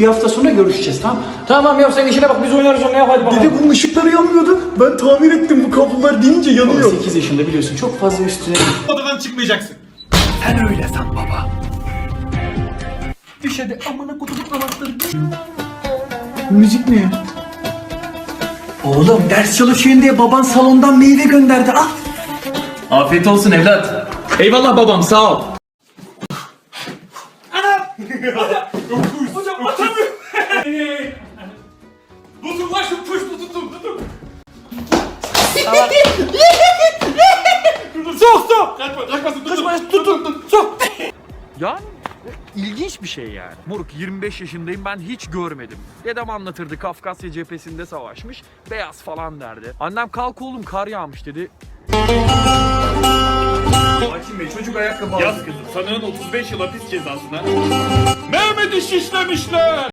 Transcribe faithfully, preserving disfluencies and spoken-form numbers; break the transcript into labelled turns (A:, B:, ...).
A: Bir hafta sonra görüşeceğiz, tamam? Tamam ya, sen işine bak, biz oynarız onu ya, hadi bakalım.
B: Dede bunun ışıkları yanmıyordu. Ben tahmin ettim, bu kablolar deyince yanıyor.
A: sekiz yaşında biliyorsun, çok fazla üstüne...
C: Odadan çıkmayacaksın.
B: Sen öyle san baba.
A: Düş hadi, amına kutup anahtarı.
B: Müzik ne?
A: Oğlum ders çalışıyorsun diye baban salondan meyve gönderdi, al.
B: Afiyet olsun evlat.
C: Eyvallah babam, sağ ol.
A: Hocam atamıyorum.
C: Tutun lan şu puş tutun tutun. Sok sok. Kaçma kaçmasın tutun. Tutun tutun sok.
D: Yani ilginç bir şey yani. Moruk yirmi beş yaşındayım, ben hiç görmedim. Dedem anlatırdı, Kafkasya cephesinde savaşmış. Beyaz falan derdi. Annem kalk oğlum kar yağmış dedi.
C: Hakim Bey çocuk ayakkabı aldı. Yaz kızım sanığın otuz beş yıl hapis cezasına. Mehmet'i şişlemişler.